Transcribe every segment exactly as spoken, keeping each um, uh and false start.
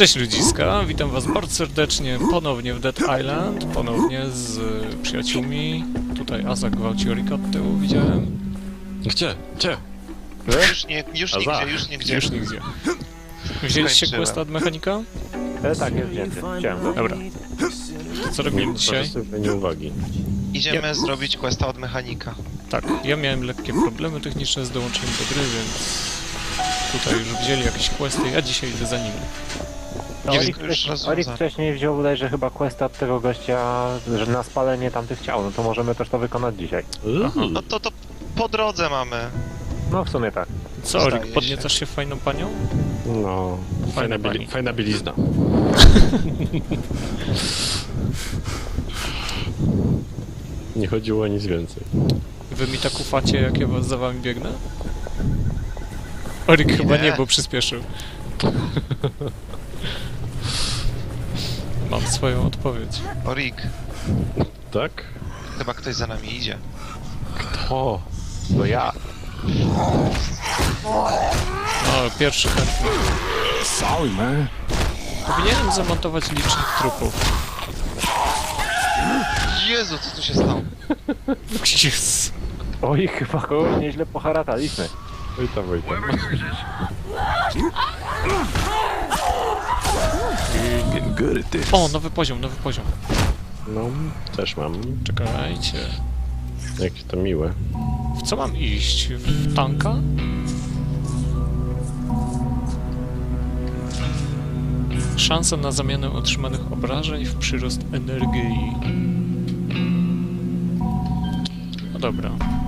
Cześć ludziska, witam was bardzo serdecznie ponownie w Dead Island, ponownie z przyjaciółmi. Tutaj Aza gwałci Orika od tyłu, widziałem. Gdzie? Gdzie? Już nie, już nigdzie, już nigdzie. Już nigdzie. Wzięliście questa od mechanika? E, tak, jest wzięty. Chciałem go. Dobra. To co robimy dzisiaj? Nie uwagi. Idziemy Ja- zrobić questa od mechanika. Tak, ja miałem lekkie problemy techniczne z dołączeniem do gry, więc tutaj już wzięli jakieś questy, ja dzisiaj idę za nimi. No, Nie Orik, wiem, już wcześniej, rozwiązane. Orik wcześniej wziął bodajże chyba questa od tego gościa, że na spalenie tamtych ciał, no to możemy też to wykonać dzisiaj. No to to po drodze mamy. No w sumie tak. Co, Zdaje Orik, się. podniecasz się fajną panią? No, Fajna fajna, pani. bili fajna bielizna. Nie chodziło o nic więcej. Wy mi tak ufacie, jak ja was za wami biegnę? Orik chyba nie, bo przyspieszył. Mam swoją odpowiedź. Orik, Tak? chyba ktoś za nami idzie. O, To ja. O, pierwszy chętny. sorry man. Powinienem zamontować licznik trupów. Jezu, co tu się stało? Yes. Oj, chyba kogoś nieźle poharataliśmy. Witam, witam. O, nowy poziom, nowy poziom. No, też mam. Czekajcie. Jakie to miłe. W co mam iść? W tanka? Szansa na zamianę otrzymanych obrażeń w przyrost energii. No dobra.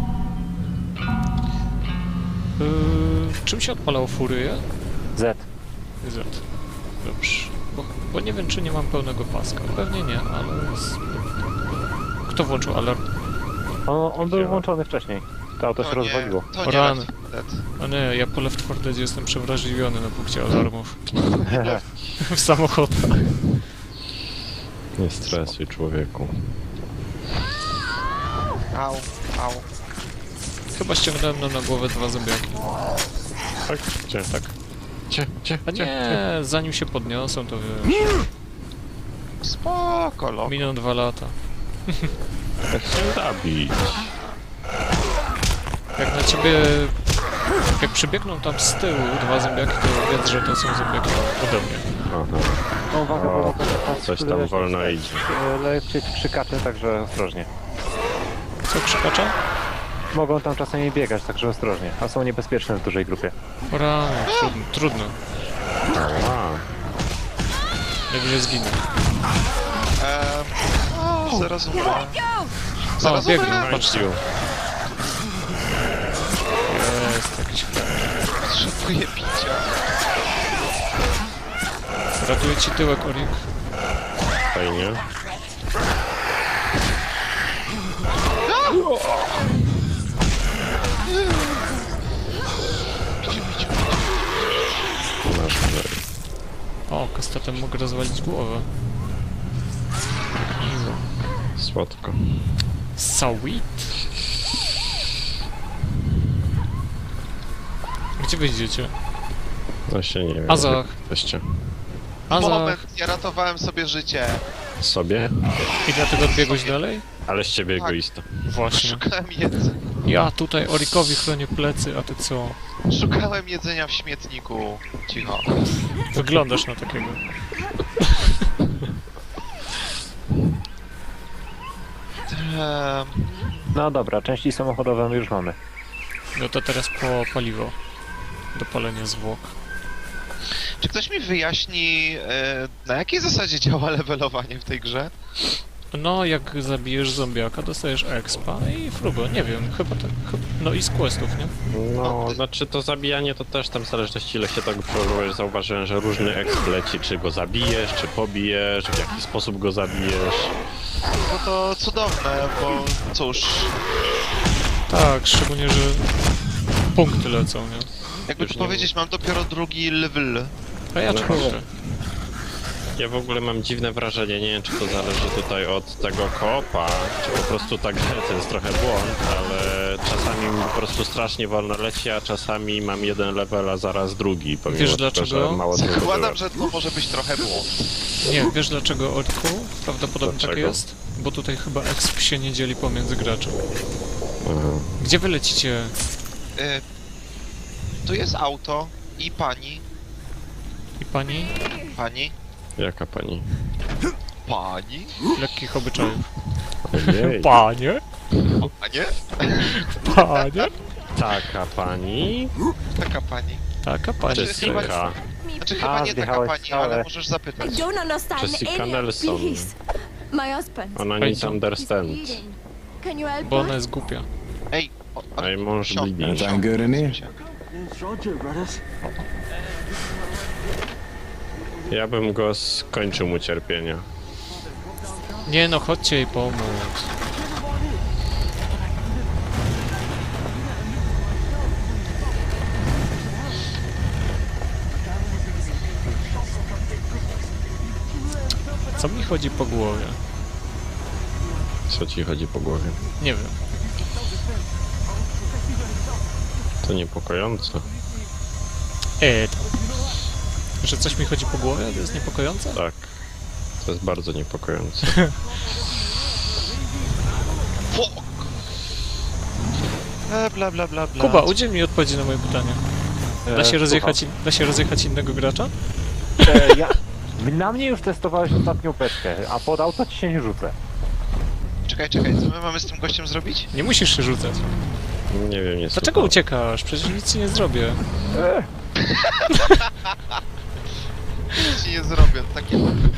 Yy, czym się odpalało furyję? Z. Z. Dobrze. Bo, bo nie wiem, czy nie mam pełnego paska. Pewnie nie, ale... z- Kto włączył alarm? On, on był włączony wcześniej. To auto się To nie, rozwaliło. to nie Rany. Left four Dead. A nie, ja po Left four Deadzie jestem przewrażliwiony na punkcie alarmów. W samochodach. Nie stresuj, człowieku. Au, au. Chyba ściągnąłem nam na głowę dwa zębiaki. Tak? Gdzie? Tak. Gdzie? Gdzie? A Gdzie? nie, zanim się podniosą, to wiesz, Spoko, lok. miną dwa lata. Tak się zabić. Jak na ciebie... Jak przybiegną tam z tyłu dwa zębiaki, to wiedz, że to są zębiaki ode mnie. Aha. No uwaga, bo O, mogą teraz coś tam wolno idzie. lecieć krzykacze, także ostrożnie. Co krzykacza? Mogą tam czasami biegać, także ostrożnie. A są niebezpieczne w dużej grupie. O rany, trudno, trudno. Ała. Najwyżej zginę. Eee, zaraz umrę. O, Zaraz biegną, umrę. patrzcie. Jest jakiś chleb. Potrzebuję picia. Ratuję ci tyłek, Orik. Fajnie. Masz że O, kastetem mogę rozwalić głowę. słodko. Sweet. Gdzie wyjdziecie? Właśnie nie wiem. Azach. Jesteście. Azach. Moment, ja ratowałem sobie życie. Sobie? I dlatego odbiegłeś dalej? Ale z ciebie Tak. egoista. Właśnie. Szukałem jedzenia. Ja tutaj Orikowi chronię plecy, a ty co? Szukałem jedzenia w śmietniku. Cicho. Wyglądasz na takiego. Eee, No dobra, części samochodowe już mamy. No to teraz po paliwo. Do palenia zwłok. czy ktoś mi wyjaśni, e, na jakiej zasadzie działa levelowanie w tej grze? No, jak zabijesz zombiaka, dostajesz expa i frugo, nie wiem, chyba tak. chyba- No i z questów, nie? No, znaczy to zabijanie to też tam w zależności ile się tak próbujesz, zauważyłem, że różny exp leci, czy go zabijesz, czy pobijesz, w jaki sposób go zabijesz. No to cudowne, bo cóż, Tak, szczególnie, że punkty lecą, nie? jakby Już tu nie powiedzieć, mam dopiero drugi level. A ja No. czwarty. Ja w ogóle mam dziwne wrażenie, nie wiem czy to zależy tutaj od tego koopa, czy po prostu tak to jest trochę błąd, ale czasami mi po prostu strasznie wolno leci, a czasami mam jeden level, a zaraz drugi, pomimo Wiesz tego, dlaczego? że mało tego Zakładam, byłem. że to może być trochę błąd. Nie, wiesz dlaczego, Orku? Prawdopodobnie tak Dlaczego? jest. Bo tutaj chyba exp się nie dzieli pomiędzy graczy. Aha. Gdzie wy lecicie? Y, tu jest auto i pani. I pani? Pani? Jaka pani? Pani? Lekkich obyczajów. Ojej. Panie? Panie? Panie? Taka pani? Taka pani. Taka pani. Jessica. Znaczy chyba nie taka zjechałeś pani, całe. ale możesz zapytać. I don't understand Jessica any of Nelson. this. My husband. Ona Ej, nic co? He's understand. bleeding. Can you help Bo ona us? jest głupia. Ej, o, o, Ej, mąż sią- bleeding. sią- Anything good in here? sią- Ja bym go skończył mu cierpienia. Nie no, chodźcie jej pomóc. Co mi chodzi po głowie? Co ci chodzi po głowie? Nie wiem. To niepokojące. Eee, tam. Że coś mi chodzi po głowie? To jest niepokojące? Tak. To jest bardzo niepokojące. Fuck! E, bla bla bla bla. Kuba, udziel mi odpowiedzi na moje pytanie. Da E, się, słucham. rozjechać, in, da się rozjechać innego gracza? E, ja... Na mnie już testowałeś ostatnią beczkę, a pod auto ci się nie rzucę. Czekaj, czekaj, co my mamy z tym gościem zrobić? Nie musisz się rzucać. Nie wiem, nie Dlaczego słucham. uciekasz? Przecież nic ci nie zrobię. E, Nic ci nie zrobię, takie...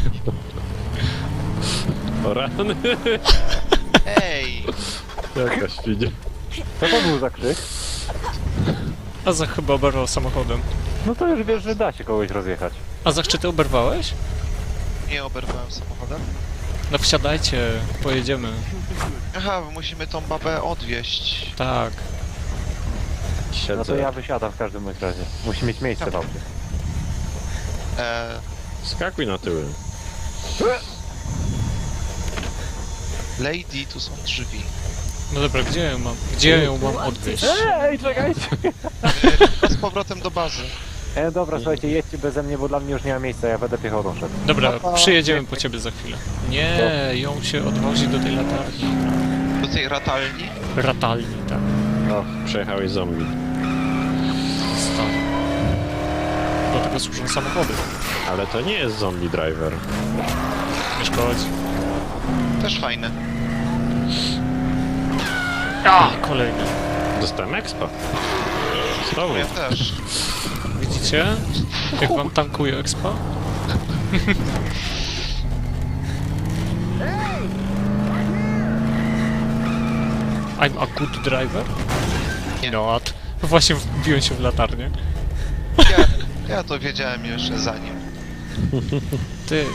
O rany! Ej! Jaka świnia. co to był za krzyk? Azach chyba oberwał samochodem. No to już wiesz, że da się kogoś rozjechać. Azach, czy ty oberwałeś? Nie oberwałem samochodem. No wsiadajcie, pojedziemy. Aha, bo musimy tą babę odwieźć. Tak. Siedzę. No to ja wysiadam w każdym bądź razie. Musi mieć miejsce w aucie. E, Skakuj na tyły. lady, tu są drzwi. No dobra, gdzie ją mam? Gdzie ją mam odwieźć? Ej, czekajcie! E, z powrotem do bazy. E, dobra, słuchajcie, jedźcie beze mnie, bo dla mnie już nie ma miejsca, ja będę piechotą szedł. Dobra, Papa. przyjedziemy po ciebie za chwilę. Nie, ją się odwozi do tej latarni. Do tej ratalni. Ratalni, tak. O, przejechałeś zombie. Stary. Do tego służą samochody. Ale to nie jest zombie driver. Nie szkodzi. Też fajne. A, kolejny. Dostałem expa. Znowu. Ja też. Widzicie? Jak wam tankuje expa? I'm a good driver? Nie. Not. Właśnie wbiłem się w latarnię. Ja, ja to wiedziałem jeszcze zanim. Ty.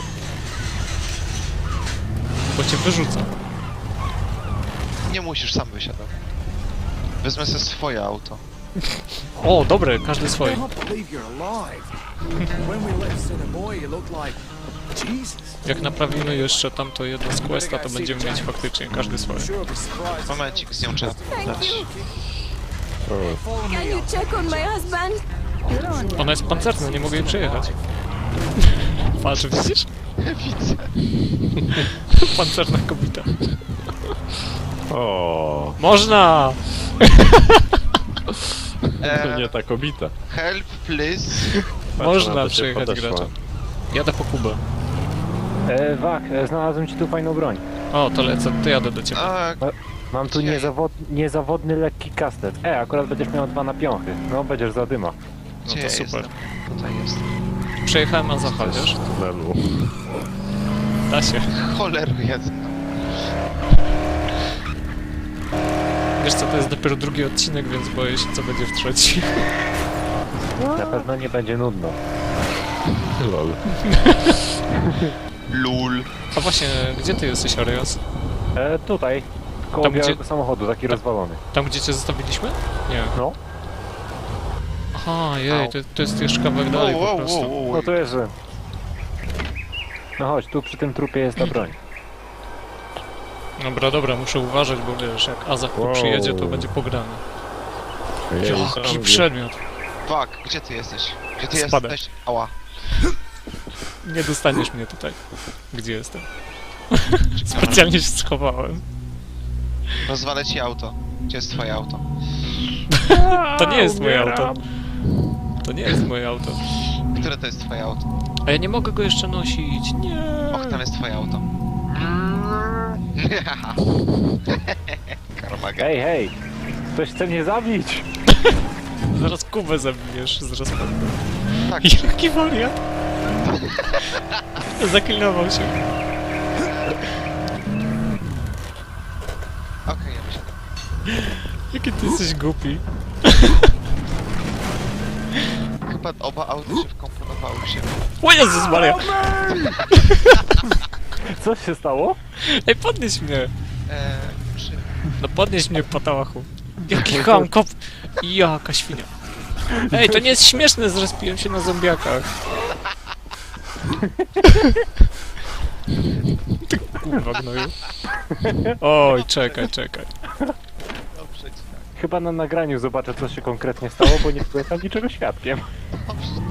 Bo cię wyrzucam. Nie musisz, sam wysiadać. Wezmę sobie swoje auto. O, dobre, każdy swoje. can't believe you're alive. When we left Cinnamoy, you looked like... Jesus. Jak naprawimy jeszcze tamto jedno z questa, to będziemy mieć faktycznie każdy swoje. Sure be surprised. Momencik, z nią trzeba Thank dać. you. O, Can you check on my husband? Ona jest pancerna, nie mogę jej przejechać. Patrz, widzisz? Widzę. Pancerna kobieta. o, Można! to E, nie ta kobieta. help, please. Patrz, Można ona do ciebie przejechać podeszła. gracza. Jadę po Kubę. E, Wak, e, znalazłem ci tu fajną broń. O, to lecę, to jadę do ciebie. A, Mam tu Ojej. niezawod... niezawodny lekki kastet. E, akurat będziesz miał dwa na piąchy. No, będziesz za dyma. No gdzie to ja super. jestem? Tutaj jestem. Przejechałem Azacha, wiesz? Tunelu. Da się. Cholery jedna. Wiesz co, to jest dopiero drugi odcinek, więc boję się, co będzie w trzeci. Na pewno nie będzie nudno. Lol. Lul. A właśnie, gdzie ty jesteś, Arias? E, tutaj, koło Tam, gdzie- białego samochodu, taki rozwalony. Tam, gdzie cię zostawiliśmy? Nie. No, Aha, jej, to, to jest jeszcze kawałek dalej Wow, po wow, prostu. wow, wow. no to jest... że- No chodź, tu przy tym trupie jest ta broń. Dobra, dobra, muszę uważać, bo wiesz, jak Azach tu Wow. przyjedzie, to będzie pograne. Ojej, Jaki zombie. przedmiot. Fuck, gdzie ty jesteś? Gdzie ty Spadę. jesteś? Ała. Nie dostaniesz mnie tutaj. Gdzie jestem? Specjalnie się schowałem. Rozwalę ci auto. Gdzie jest twoje auto? To nie jest moje auto. To nie jest moje auto. Które to jest twoje auto? A ja nie mogę go jeszcze nosić. Nie. Och, tam jest twoje auto. Karmaga. Hej, hej! Ktoś chce mnie zabić! Zaraz Kubę zabijesz z rozpędu. Tak, Jaki wariat? Zaklinował się. okej, ja myślę. Jaki ty jesteś głupi. Chyba oba auta się wkomponowały w siebie. O Jezus Maria! Co się stało? Ej, podnieś mnie! Eee, przy... No podnieś mnie, patałachu. Jaki ham, kop... Jaka świnia. Ej, to nie jest śmieszne, zrespiłem się na zombiakach. Ty kurwa gnoju. Oj, czekaj, czekaj. Dobrze ci tak. Chyba na nagraniu zobaczę, co się konkretnie stało, bo nie byłem tam niczego świadkiem. Dobrze.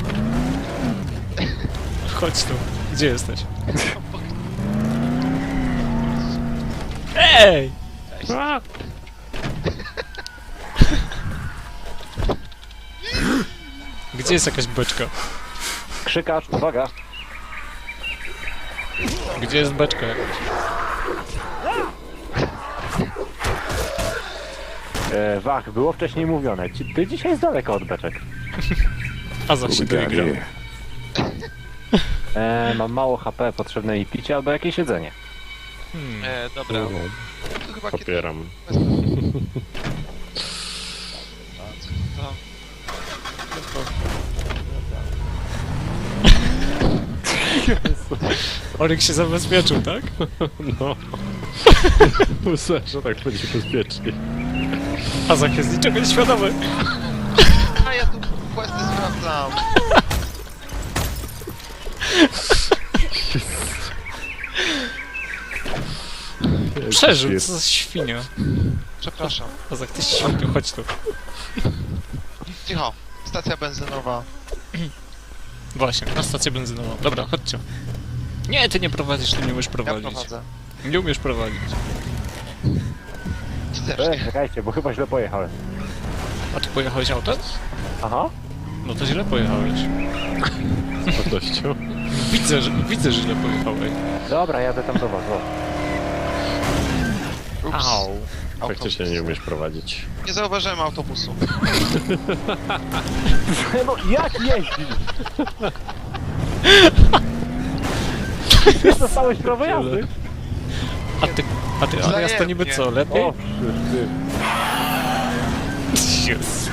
Chodź tu. Gdzie jesteś? Ej! A! Gdzie jest jakaś beczka? Krzykacz, uwaga! Gdzie jest beczka jakaś? E, Wach, było wcześniej mówione, ci- ty dzisiaj jest daleko od beczek. A za się doigrał. E, mam mało H P, potrzebne mi picie albo jakieś jedzenie. Hmm. Eee, dobra. No, To chyba kiedy... popieram. To... Oryk się zabezpieczył, tak? No. Myślę, że tak będzie bezpiecznie. Azak jest niczego nieświadomy. A ja tu questy sprawdzam. Przeżył, co za świnia. Przepraszam. Azak, ty świniu, chodź tu. Cicho. Stacja benzynowa. Właśnie, na stację benzynową. Dobra, chodźcie. Nie, ty nie prowadzisz, ty nie umiesz Ja prowadzić. prowadzę. Nie umiesz prowadzić. Ty też E, nie. czekajcie, bo chyba źle pojechałem. A ty pojechałeś autem? Aha. No to źle pojechałeś. Z pewnością. Widzę, że, widzę, że źle pojechałeś. Dobra, jadę tam do was, o. Ups. Au. Faktycznie nie umiesz prowadzić. Nie zauważyłem autobusu. No, jak jeździć? Ty dostałeś prawo jazdy? A ty, a ty, a ja to niby co, lepiej? O, ty. Jezu.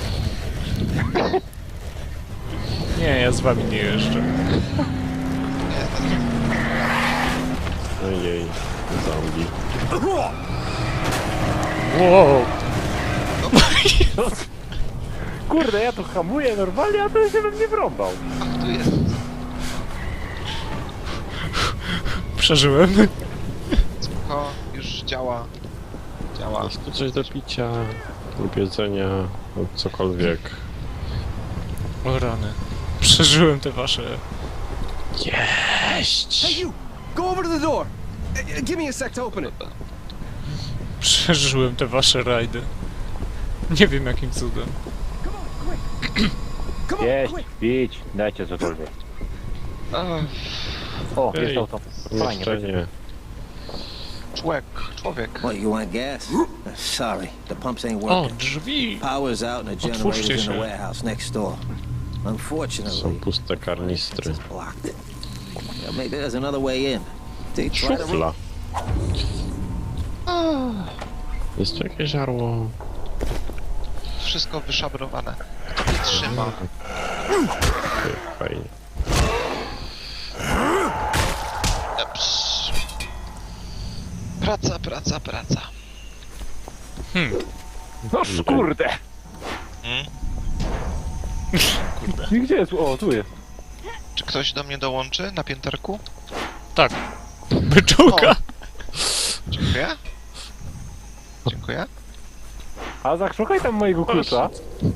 Nie, ja z wami nie jeżdżę. Nie jest tak. Ojej, zombie. Wow. Kurde, ja tu hamuję normalnie, a ten się we mnie wrąbał. Ach, tu jest. Przeżyłem. Spoko, już działa. Działa. Jest tu coś do picia lub jedzenia lub cokolwiek. O rany. Przeżyłem te wasze... Jeść! Hey, you! Go over to the door! Uh, Give me a sec to open it. Przeżyłem te wasze rajdy. Nie wiem jakim cudem. Come on, Jeść, quick! pić, dajcie cokolwiek. Ach, O, Ej, jest auto. Fajnie, Jeszcze będzie. nie. człowiek, człowiek. What, you want gas? Uh, Sorry, the pumps ain't O, working. drzwi! Power's out and the Otwórzcie generator's in się. the warehouse next door. Unfortunately, Są puste it's karnistry. blocked. Yeah, maybe there's another way in. They try to... Szufla. Jest tu jakieś żarło? Wszystko wyszabrowane. Kto mnie trzyma? Okej, fajnie. Eps. Praca, praca, praca. Hmm. No kurde! Hmm? I gdzie jest? O, tu jest. Czy ktoś do mnie dołączy na pięterku? Tak. Beczułka. Dziękuję. Dziękuję. Azak, szukaj tam mojego klucza.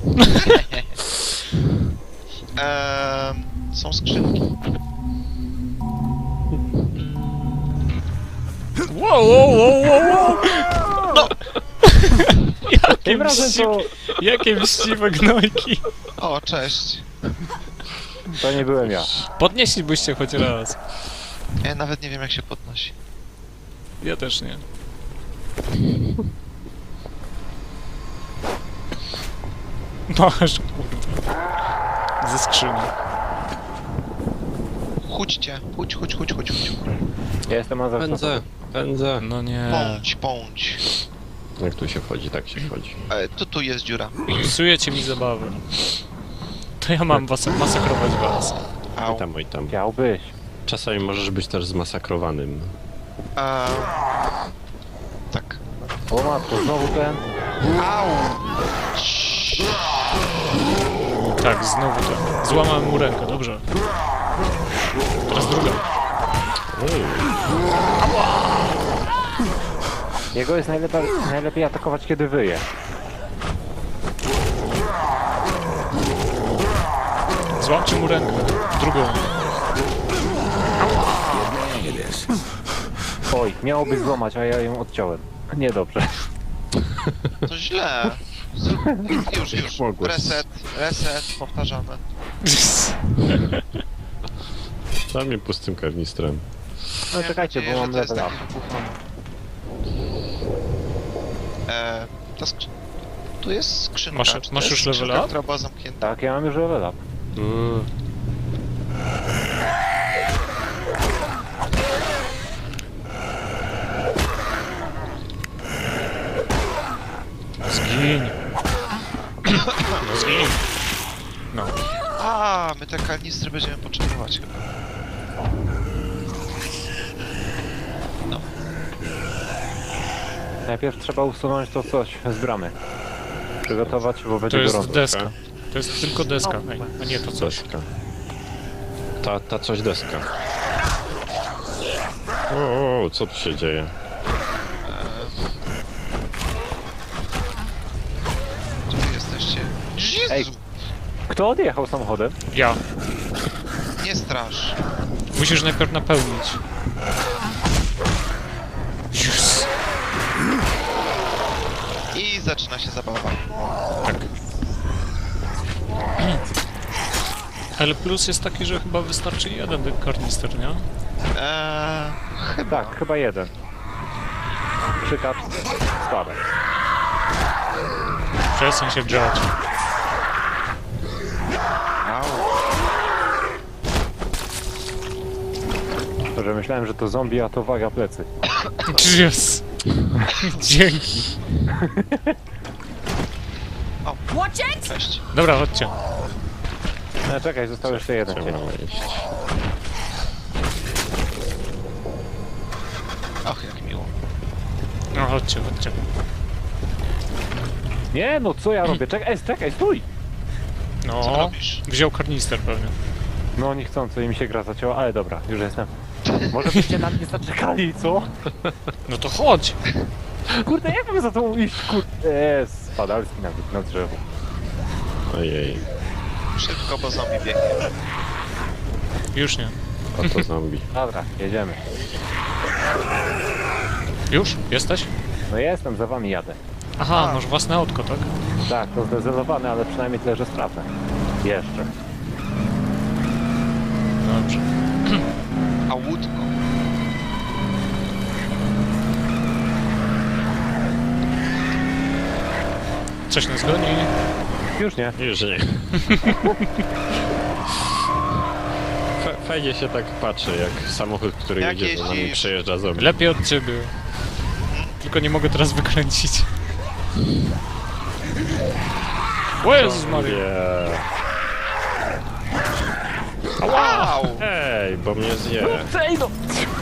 Eee, są skrzynki. Wow, wow, wow, wow, wow. No. Jakie Tym razem mściwe, to... jakie mściwe gnojki. O, cześć. To nie byłem ja. Podnieślibyście choć raz. Ja nawet nie wiem jak się podnosi. Ja też nie. Masz, kurde. Ze skrzyni. Chudźcie, chudź, chudź, chudź, chudź, chudź. Ja jestem Azak. Pędzę, pędzę. No nie. Pądź, pądź. Jak tu się wchodzi, tak się wchodzi. E, tu, tu jest dziura. Psujecie mi zabawę. To ja mam was masakrować was. Au. Oj tam, oj tam. Chciałbyś. Czasami możesz być też zmasakrowanym. Eee, tak. O matko, znowu ten. Au! Tak, znowu to. Złamałem mu rękę, dobrze. Teraz druga. Jego jest najlepiej, najlepiej atakować, kiedy wyje. Złamcie mu rękę. Drugą. Oj, miałoby złamać, a ja ją odciąłem. Niedobrze. To źle. Zrób... Już, już. mogłeś? Reset, reset, powtarzamy. Za mnie pustym karnistrem. No Miałem czekajcie, nadzieję, bo mam że to jest level up. taki wybuchany. Eee, ta skrzy... Tu jest skrzynka. Masz- Czy to masz jest już level skrzynka, up? która była zamknięta? Tak, ja mam już level up. Mm. Zgiń. No zgiń. No. A, my te kanistry będziemy potrzebować chyba. Najpierw trzeba usunąć to coś z bramy. Przygotować, bo To będzie jest gorąco. deska. To jest tylko deska. Ej, a nie to coś. Deska. Ta, ta coś deska. O, o, co tu się dzieje? Gdzie wy jesteście? Jezu! Ej. Kto odjechał samochodem? Ja. Nie strasz. Musisz najpierw napełnić. Jezus. I zaczyna się zabawa. Tak. L plus jest taki, że chyba wystarczy jeden karnister, nie? Eee, Tak, chyba jeden. Przykacz, spadek. Przestań się grzać. au. To, że myślałem, że to zombie, a to waga plecy. Yes. Dzięki. Watch it! Cześć. Dobra, chodźcie. No, czekaj, został jeszcze jeden cień. Trzeba iść. Och, jak miło. No chodźcie, chodźcie. Nie, no co ja robię? Czekaj, czekaj, stój! Co No, robisz? wziął karnister pewnie. No niechcący i mi się gra zacięła, ale dobra, już jestem. Może byście na mnie zaczekali, co? No to chodź. Kurde, jak mam za tą iść, kurde? Eee, spadalski nawet na drzewo. Ojej, Szybko, bo zombie biegnie. Już nie. oto zombie. Dobra, jedziemy. Już? Jesteś? No jestem, za wami jadę. Aha, masz własne autko, tak? Tak, to zdecydowane, ale przynajmniej tyle, że sprawne. Jeszcze. Dobrze. A łódko. Coś nas goni. Już nie. Już nie. Fa- Fajnie się tak patrzy, jak samochód, który Jak jedzie za nami, jeździsz? przejeżdża zombie. Lepiej od ciebie. Tylko nie mogę teraz wykręcić. O Jezus Maria. Yeah. Wow! Ej, bo mnie zje. Ej no!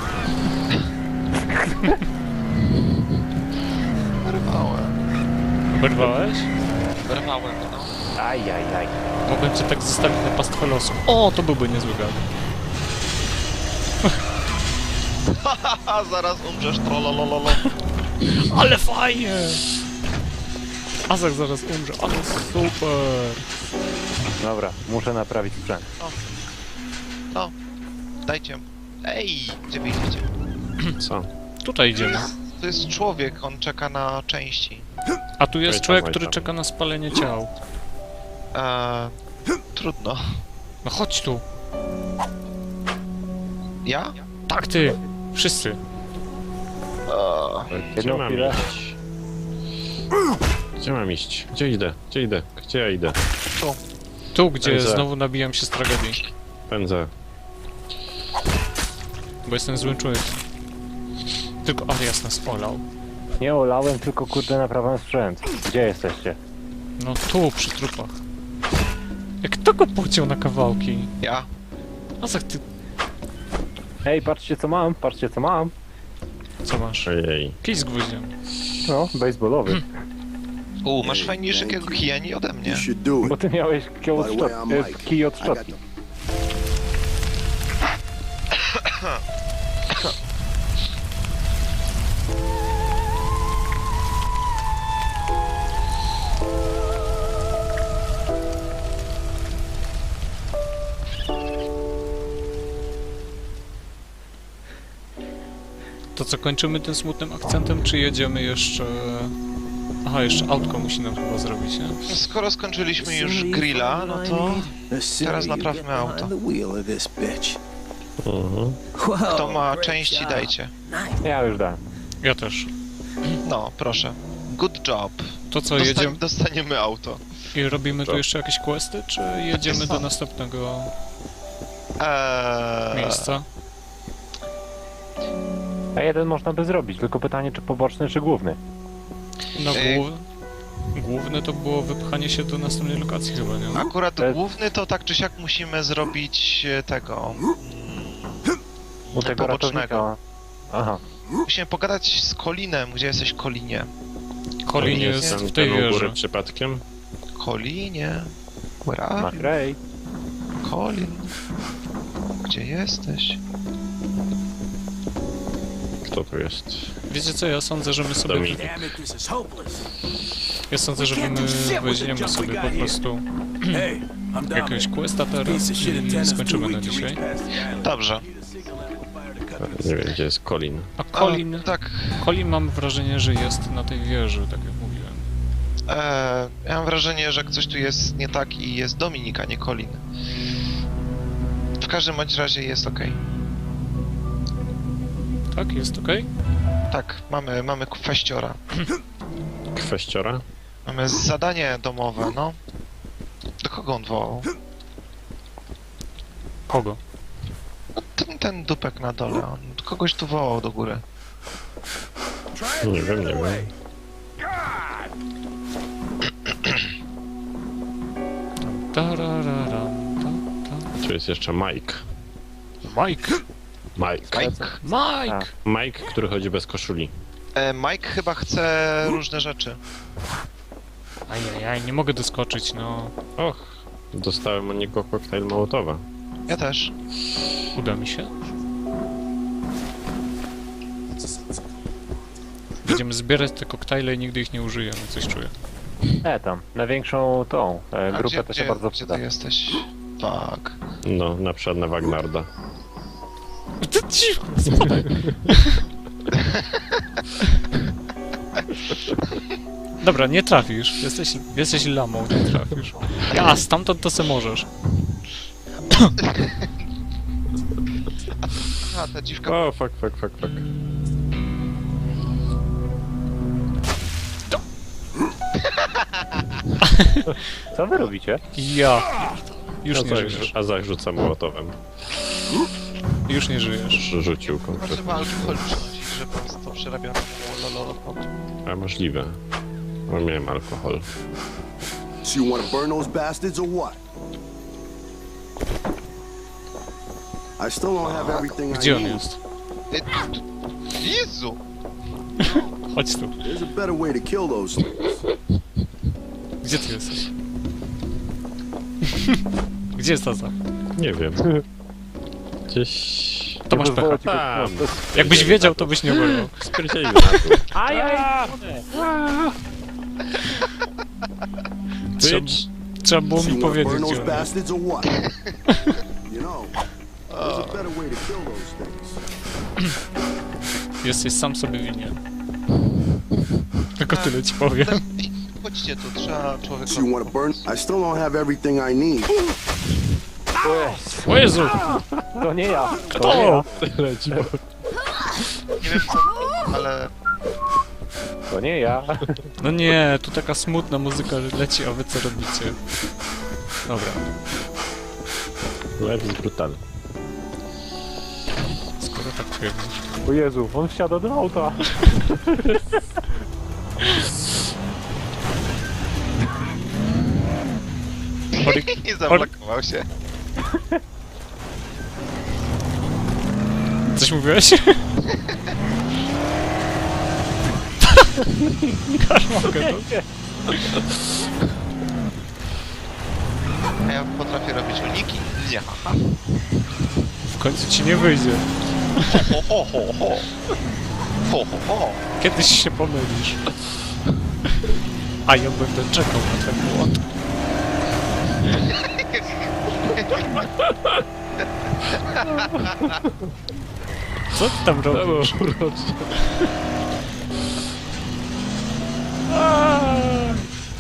Wyrwałem. Oberwałeś? Wyrwałem, no. Aj, aj, aj. Mogłem cię tak zostawić na pastwę losu. O, to byłby niezły gad. Haha, zaraz umrzesz, trollolololo. Ale fajnie! Azak zaraz umrze, ale super! Dobra, muszę naprawić sprzęt. No, dajcie. Ej, gdzie wy idziecie? Co? Tutaj idziemy. To jest człowiek, on czeka na części. A tu jest Oj tam, człowiek, oj który tam. czeka na spalenie ciał. Eee, trudno. No chodź tu. Ja? Tak ty! Wszyscy. Eee, Gdzie Jedną mam chwilę. iść? Gdzie mam iść? Gdzie idę? Gdzie idę? Gdzie ja idę? Tu, gdzie Pędzę. znowu nabijam się z tragedii. Pędzę. Bo jestem złym człowiekiem. Tylko Arias nas olał. Nie olałem, tylko kurde naprawiam sprzęt. Gdzie jesteście? No tu, przy trupach. Jak kto go pociął na kawałki? ja? Azak, ty Ej, patrzcie co mam, patrzcie co mam. co masz? Ojej. Kij z gwoździem. No, baseballowy. U, masz fajniejszego kijani ode mnie. You should do Bo it. ty miałeś kij od, By the way, szczot... I'm e, Mike. kij od I got szczotki. the To co, kończymy tym smutnym akcentem, czy jedziemy jeszcze... Aha, jeszcze autko musi nam chyba zrobić, nie? Skoro skończyliśmy już grilla, no to teraz naprawmy auto. The wheel of this bitch. Mhm. Kto ma great części, job. dajcie. Ja już dałem. Ja też. No, proszę. Good job. To co, Dostań, jedziemy dostaniemy auto. i robimy tu Co? jeszcze jakieś questy, czy jedziemy do są. następnego Eee, miejsca? A jeden można by zrobić, tylko pytanie czy poboczny, czy główny. No Ej. głów... główne to było wypchanie się do następnej lokacji chyba, nie? Akurat To- główny to tak czy siak musimy zrobić e, tego. U tego Pobocznego. ratownika. Aha. Musimy pogadać z Colinem. Gdzie jesteś, Colinie? Colin Nie jest jestem w tej ten u góry wieży. przypadkiem. Colinie. Where are you? McRae. Colin. Gdzie jesteś? Kto tu jest? Wiecie co, ja sądzę, że my sobie... Dominik. Damn it, this is hopeless. Ja sądzę, że my weźmiemy sobie po prostu Hey, I'm down jakiegoś there. questa teraz Piece of shit i intends two skończymy na weeks to dzisiaj. reach past the island. Dobrze. Need a signal amplifier to cut through Nie wiem, gdzie jest Colin. A Colin... A, tak. Colin mam wrażenie, że jest na tej wieży, tak jak mówiłem. E, ja mam wrażenie, że coś tu jest nie tak i jest Dominik, a nie Colin. W każdym bądź razie jest ok. Tak, jest okej? Tak, mamy, mamy kwestiora. Kwestiora? Mamy zadanie domowe, no. Do kogo on wołał? Kogo? Ten, ten dupek na dole, on kogoś tu wołał do góry. Nie wiem, nie wiem. Tarararam, ta, ta. Tu jest jeszcze Mike. Mike! Mike. Mike? Mike! Mike, który chodzi bez koszuli. E, Mike chyba chce różne rzeczy. Ajajaj, nie mogę doskoczyć, no. Och, dostałem od niego koktajl Mołotowa. Ja też. Uda mi się. Będziemy zbierać te koktajle i nigdy ich nie użyjemy, coś czuję. E tam, na większą tą e, A grupę gdzie, to się gdzie, bardzo gdzie przyda. ty jesteś? Tak. No, na przykład na Wagnarda. Ty cicho, spadaj. Dobra, nie trafisz. Jesteś, jesteś lamą, nie trafisz. Ja, stamtąd to se możesz. A, ta dziwka... O, fuck, fuck, fuck, fuck. Co wy robicie? Ja. Już A nie Zach, żyjesz. a Zach rzuca Mołotowem. Już nie żyjesz. Rzucił Może konkretnie. ma alkohol przychodzić, że po prostu przerabione lololopot. A możliwe. Bo miałem alkohol. So you want to burn those bastards or what? I still don't have everything I Gdzie on need. jest? E, Jezu! Chodź tu. There's a better way to kill those things. Gdzie ty jesteś? Gdzie jest Azak? Nie wiem. Gdzieś... To masz pecha. pozwolę ci go- Tam. no, Jakbyś wiedział, to byś nie oberwał. Spierdzielił na dół. Ajaj! Trzeba, trzeba było So mi you wanna powiedzieć, burn gdzie those on jest. bastards or what? You know, there's a better way to kill those things. Jesteś sam sobie winien. Tylko tyle ci powiem. Ej, chodźcie tu, trzeba człowieka... So you wanna burn? I still don't have everything I need. O Jezu! To nie ja. To Kto? nie ja. Nie wiem co, ale... To nie ja. No nie, tu taka smutna muzyka leci, a wy co robicie? Dobra, Lewy brutal. skoro tak twierdzisz. O Jezu, on wsiada do auta. Chory- Nie zablokował się. Coś mówiłeś? Karmogę, no. A ja potrafię robić uniki? Nie, haha. W końcu ci nie wyjdzie. Ho, ho, ho, ho. Ho, ho, ho. Kiedyś się pomylisz. A ja będę czekał na ten błąd. Co ty tam robisz? Aaa!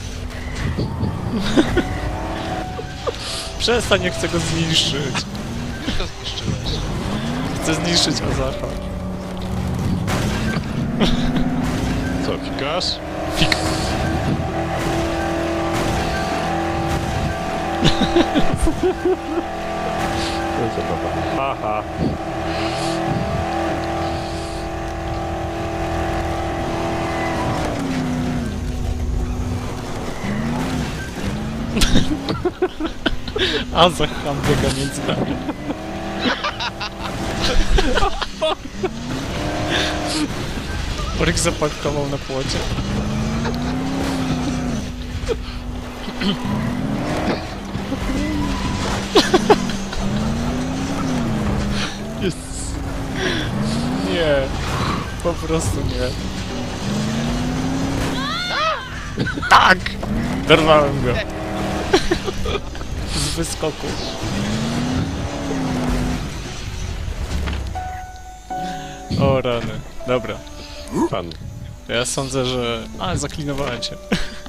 Przestań, nie chcę go zniszczyć. Już go zniszczyłeś. Chcę zniszczyć Azacha. Co, fikasz? Fik. To jest zabawa. Haha. Azach ham biega między nami. Oryk zaparkował na płocie. Jest. Nie. Po prostu nie. Tak! Dorwałem go. Z wyskoku. O rany. Dobra. Pan. Ja sądzę, że... A, zaklinowałem się.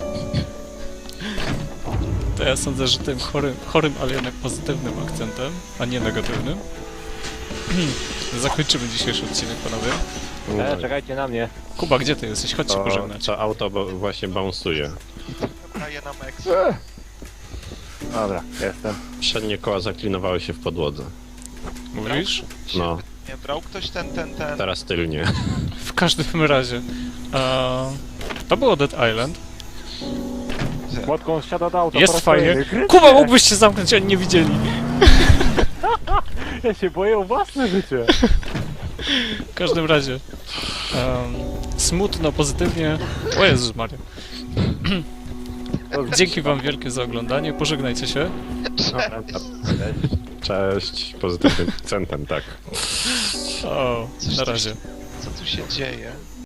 To ja sądzę, że tym chorym, chorym, ale jednak pozytywnym akcentem, a nie negatywnym, zakończymy dzisiejszy odcinek, panowie. E, czekajcie na mnie. Kuba, gdzie ty jesteś? Chodź się To, pożegnać. to auto bo właśnie bounsuje. Daję na Mex. Dobra, jestem. Przednie koła zaklinowały się w podłodze. Mówisz? No, Nie, brał ktoś ten, ten, ten... teraz tylnie. W każdym razie. Eee, to było Dead Island. Młotką on wsiada do auta. po Jest raz fajnie. kolejny. Krytykę! Kuba, mógłbyś się zamknąć, oni nie widzieli. Ja się boję o własne życie. W każdym razie. em, smutno, pozytywnie. O Jezus Maria. Dzięki wam wielkie za oglądanie. Pożegnajcie się. Cześć, pozytywnym akcentem, tak. O, Coś na tu razie. Co tu się dzieje?